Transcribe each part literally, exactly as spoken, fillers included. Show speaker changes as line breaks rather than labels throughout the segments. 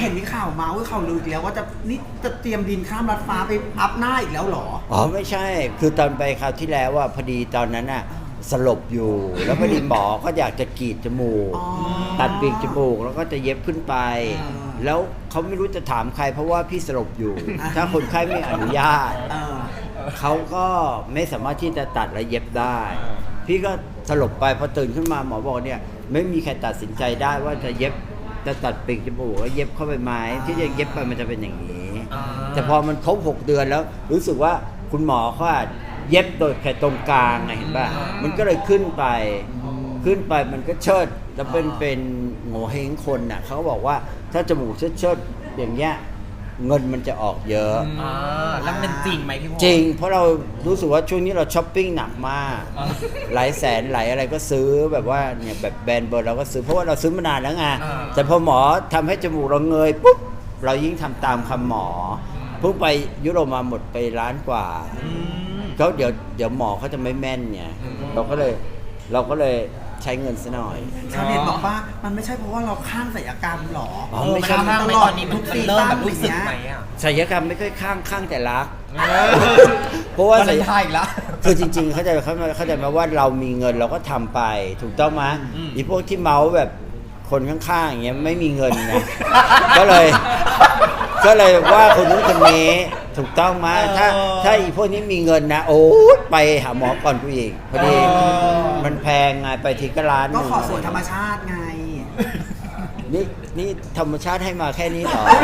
เห็นมีข่าวมาว่าข่าวลืออีกแล้วว่าจะนี่จะเตรียมดินข้ามรัดฟ้าไปอัพหน้าอีกแล้วเหรอ
อ๋อไม่ใช่คือตอนไปคราวที่แล้วว่าพอดีตอนนั้นน่ะสลบอยู่แล้วพอดีหมอก็อยากจะกรีดจมูกตัดปีกจมูกแล้วก็จะเย็บขึ้นไป แล้วเขาไม่รู้จะถามใครเพราะว่าพี่สลบอยู่ ถ้าคนไข้ไม่อนุญาตเขาก็ไม่สามารถที่จะตัดและเย็บได้ พี่ก็สลบไปพอตื่นขึ้นมาหมอบอกเนี่ยไม่มีใครตัดสินใจได้ว่าจะเย็บจะตัดปีกจมูกแล้วเย็บเข้าไปไหมที่จะเย็บไปมันจะเป็นอย่างนี้แต่พอมันครบหกเดือนแล้วรู้สึกว่าคุณหมอเขาเย็บโดยแค่ตรงกลางไงเห็นป่ะมันก็เลยขึ้นไปขึ้นไปมันก็เชิดแล้วเป็นเป็นโง่เฮงคนน่ะเขาบอกว่าถ้าจมูกเชิดเชิดอย่างเงี้ยเงินมันจะออกเยอะ
อ่าแล้วมันจริงไหมพี่พ
จริงเพราะเรารู้สึกว่าช่วงนี้เราช้อปปิ้งหนักมากหลายแสนหลายอะไรก็ซื้อแบบว่าเนี่ยแบบแบรนด์เบอร์เราก็ซื้อเพราะว่าเราซื้อมานานแล้วไงแต่พอหมอทำให้จมูกเราเงยปุ๊บเรายิ่งทำตามคำหมอเพิ่งไปยุโรปมาหมดไปล้านกว่าเขาเดี๋ยวเดี๋ยวหมอเขาจะไม่แม่นเนี่ยเราก็เลยเราก็เลยใช้เงินซะหน่อย
ชาวเน็ตบอกว่ามันไม่ใช่เพราะว่าเราข้างศัลยกรรมหรอ
อ๋อไม่ใช่
ข้างตลอดทุกซีซั่นแบบรู้สึกไหมอ่ะ
ศัลยกรรมไม่ค่อยข้างข้างแต่รักเพราะว่า
ศัลยกรรมอีกแล้ว
คือจริงๆเขาใจเขาเข้าใจมาว่าเรามีเงินเราก็ทำไปถูกต้องไหมอีพวกที่เมาแบบคนข้างๆอย่างเงี้ยไม่มีเงินไงก็เลยก็เลยว่าคนนู้นคนนี้ถูกต้องไหมถ้าถ้าอีพวกนี้มีเงินนะโอ้ไปหาหมอก่อนกูอีกพอดีมันแพงไงไปทีก็ล้าน
ก็ขอส่วนธรรมชาติไง
นี่นี่ธรรมชาติให้มาแค่นี้เหรอ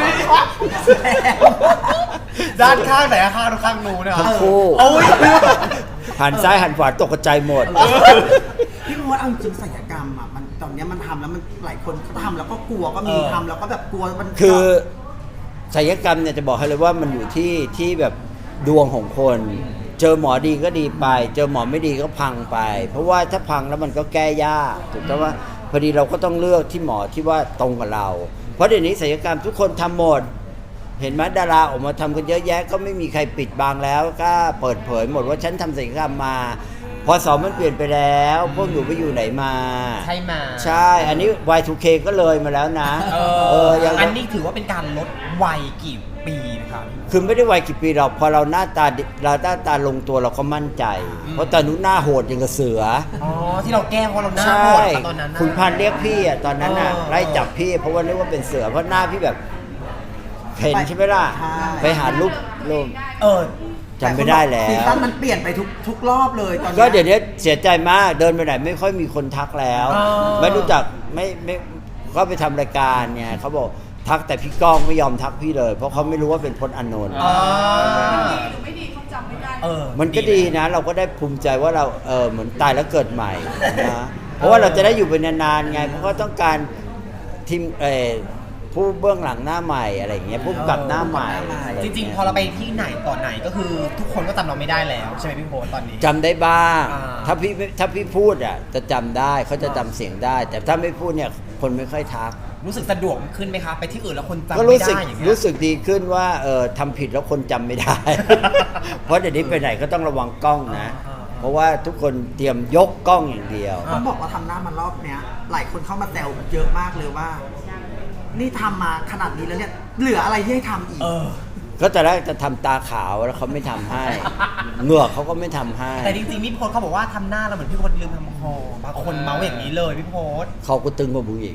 ด้านข้างไหนข้างข้างนู้นเนี่ย
ทั้งคู่หันซ้ายหันขวาตกกระจายหมด
พี่มดเอาจริงศัลยกรรมอ่ะมันตอนนี้มันทำแล้วมันหลายคนก็ทำแล้วก็กลัวก็มีทำแล้วก็แบบกลัวมัน
คือศัลยกรรมเนี่ยจะบอกให้เลยว่ามันอยู่ที่ที่แบบดวงของคนเจอหมอดีก็ดีไปเจอหมอไม่ดีก็พังไปเพราะว่าถ้าพังแล้วมันก็แก้ยากถูกต้องว่าพอดีเราก็ต้องเลือกที่หมอที่ว่าตรงกับเราเพราะเดี๋ยวนี้ศัลยกรรมทุกคนทำหมดเห็นไหมดาราออกมาทำกันเยอะแยะก็ไม่มีใครปิดบังแล้วก็เปิดเผยหมดว่าฉันทำศัลยกรรมมาพอสองมันเปลี่ยนไปแล้วพวกอยู่ไปอยู่ไหนมา
ใช่มา
ใช่อันนี้ วาย ทู เค ก็เลยมาแล้วนะ
เออเอออันนี้ถือว่าเป็นการลดวัยกี่ปีนะครับ
คือไม่ได้วัยกี่ปีเราพอเราหน้าตาเราหน้าตาลงตัวเราก็มั่นใจเพราะตอนนู้นหน้าโหดอย่างกับเสือ
อ๋อที่เราแก้เพราะเราหน้าโหดตอนนั้น
คุณพันเรียกพี่อ่ะตอนนั้นอ่ะไล่จับพี่เพราะว่านึกว่าเป็นเสือเพราะหน้าพี่แบบเห็นใช่ไหมล่ะไปหารูปรูป
เออ
จำไม่ได้แล้ว
ซีซั่นมันเปลี่ยนไปทุกทุกรอบเลยตอนนี้
ก็เดี๋ยวนี้เสียใจมากเดินไปไหนไม่ค่อยมีคนทักแล้วไม่รู้จักไม่ไม่ก็ไปทำรายการเนี่ยเขาบอกทักแต่พี่ก้องไม่ยอมทักพี่เลยเพราะเขาไม่รู้ว่าเป็นพจน์อานนท์
ไม่ดีเขาจำไม่ได้
มันก็ดีนะเราก็ได้ภูมิใจว่าเราเออเหมือนตายแล้วเกิดใหม่นะเพราะว่าเราจะได้อยู่เป็นนานๆไงเพราะว่าต้องการทีมเออผู้เบื้องหลังหน้าใหม่อะไรอย่างเงี้ยผู้กำกับหน้าใหม่
จริงๆพอเราไปที่ไหนต่อไหนก็คือทุกคนก็จำเราไม่ได้แล้วใช่ไหมพี่โพสตอนนี้
จำได้บ้างถ้าพี่ถ้าพี่พูดอ่ะจะจำได้เขาจะจำเสียงได้แต่ถ้าไม่พูดเนี่ยคนไม่ค่อยทัก
รู้สึกสะดวกขึ้นไหมคะไปที่อื่นแล้วคนจำ
ไม่
ได้อย่างเงี้ย
รู้สึกดีขึ้นว่าเออทำผิดแล้วคนจำไม่ได้เพราะเดี๋ยวนี้ไปไหนก็ต้องระวังกล้องนะเพราะว่าทุกคนเตรียมยกกล้องอย่างเดียว
ต้องบอกว่าทำหน้ามารอบเนี้ยหลายคนเข้ามาแซวเยอะมากเลยว่านี่ทำมาขนาดนี้แล้วเนี่ยเหลืออะไรที่ให้ทำอีก
ก็แต่แรกจะทำตาขาวแล้วเขาไม่ทำให้เหงือกเขาก็ไม่ทำให้
แต่จริงๆพี่โพสเขาบอกว่าทำหน้าเราเหมือนพี่โพสลืมทำคอบางคนเมาอย่างนี้เลยพี่โพส
เขาก็ตึงกว่ามึงอีก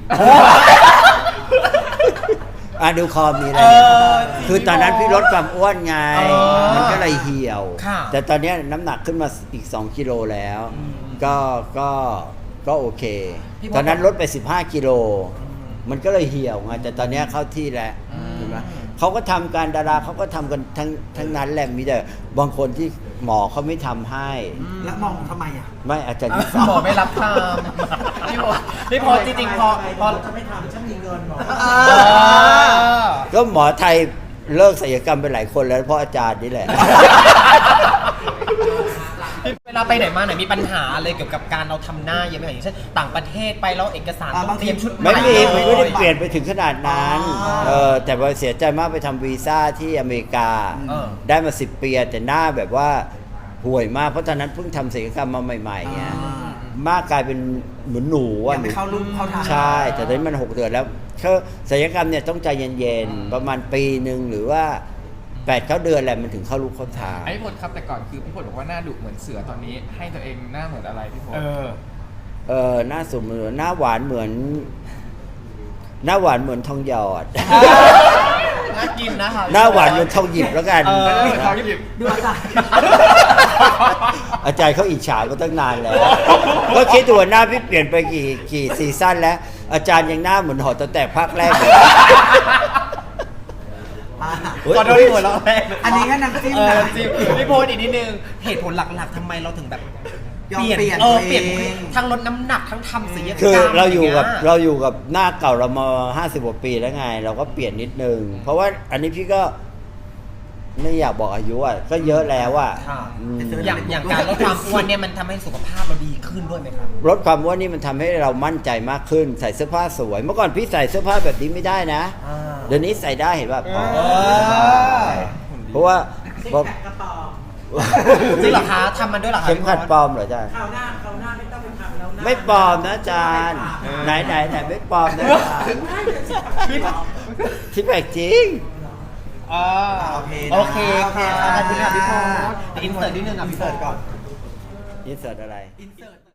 อ่ะดูคอมีอะไรคือตอนนั้นพี่ลดความอ้วนไงมันก็เลยเหี่ยวแต่ตอนนี้น้ำหนักขึ้นมาอีกสองกิโลแล้วก็ก็ก็โอเคตอนนั้นลดไปสิบห้ากิโลมันก็เลยเหี่ยวไงแต่ตอนนี้เข้าที่แล้วเห็นไหมเขาก็ทำการดาราเขาก็ทำกันทั้งทั้งนั้นแหละมีแต่บางคนที่หมอเขาไม่ทำให้
แล้วมองทำไมอ่ะ
ไม่อาจารย์
หมอไม่รับทำพี่พอพี่พอจริงๆพอพอ
จะไม่ทำฉันมีเงินหมอ
ก็หมอไทยเลิกศัลยกรรมไปหลายคนแล้วเพราะอาจารย์นี่แหละ
เวลาไปไหนมาไหนมีปัญหาอะไรเกี่ยวกับการเราทำหน้าเยอะไหมอย่างเช่นต่างประเทศไปแล้วเอกสารต้องเตรียมชุด
ไม่มีไม่ได้เปลี่ยนไปถึงขนาดนั้นเออแต่ว่าเสียใจมากไปทำวีซ่าที่อเมริกาได้มาสิบปีแต่หน้าแบบว่าห่วยมากเพราะตอนนั้นเพิ่งทำศัลยกรรมมาใหม่ๆไงมากกลายเป็นเหมือนหนู
ยั
อ่ะ
งไม่เข้ารูปเข้าทาง
ใช่ แต่ตอนนี้มันหกเดือนแล้วเขาศัลยกรรมเนี่ยต้องใจเย็นๆประมาณปีหนึ่งหรือว่าแปดเก้าเดือนแหละมันถึงเข้ารูปเข้าทาง
ไอ้พี่พลครับแต่ก่อนคือพี่พลบอกว่าหน้าดุเหมือนเสือตอนนี้ให้ตัวเองหน้าเหมือนอะไรพี่พล
เออ
เออหน้าสมเหมือนหน้าหวานเหมือน หน้าหวานเหมือนทองหยอด
น่ากินนะคะ
หน้าหวานเหมือนทองหยิบแล้วกัน
เออ
เหมือนทองหยิบ
ดูอาจารย์
อาจารย์เขาอิจฉามาตั้งนานแล้ว ก็คิดดูว่าหน้าพี่เปลี่ยนไปกี่กี่ซีซั่นแล้ว อาจารย์ยังหน้าเหมือนหอตั้งแต่ภาคแรกเลย
อ่ะ
เฮ้ย
ขอโทษที่หัวเราะแรก
อันนี้ก็น้ำจิ้ม
เออ
นะ
จิ้มพี่โพสอีกนิดนึงเหตุผลหลักๆทำไมเราถึงแบบ
ยอมเปลี่ยน
เออ
ตัว
เปลี่ยน
เอง
ทั้งลดน้ำหนักทั้งทำศัลยกรรม
คือเราอยู่กับ
ะไง
เราอยู่กับหน้าเก่าเรามาห้าสิบกว่าปีแล้วไง เราก็เปลี่ยนนิดนึง เพราะว่าอันนี้พี่ก็ไม่อยากบอกอายุอ่ะก็เยอะแล้วอ่ะ
ค่ะ
อืม
อย่างอย่างการลดความอ้วนเนี่ยมันทำให้สุขภาพเราดีขึ้นด้วยไหมครับ
ลดความอ้วนนี่มันทำให้เรามั่นใจมากขึ้น ใส่เสื้อผ้าสวย เมื่อก่อนพี่ใส่เสื้อผ้าแบบนี้ไม่ได้นะ
อ่า
เดี๋ยวนี้ใส่ได้เห็นป่ะพอ
เออ
เพราะว่าเพราะ
จริงเหรอคะทำมันด้วยเหรอคะ
เข็มขัดปลอมเหรอจ๊ะ
คราวหน้าคราวหน้าไม่ต้องไปทำแล้วนะ
ไม่ปลอมนะอาจารย์ไหนไหนไหนไม่ปลอมนะอาจารย์
พี่
ที่แปลกจริง
เออ
โอเคนะ
โอเคค่ะ
โอเค
ขอบคุณค่ะพี่โพส
ค่ะ
อินเสิร์ตนิดนึงอ่ะพี่โพส
ก่อน
นี่เสิร์ตอะไร
อินเสิร์ต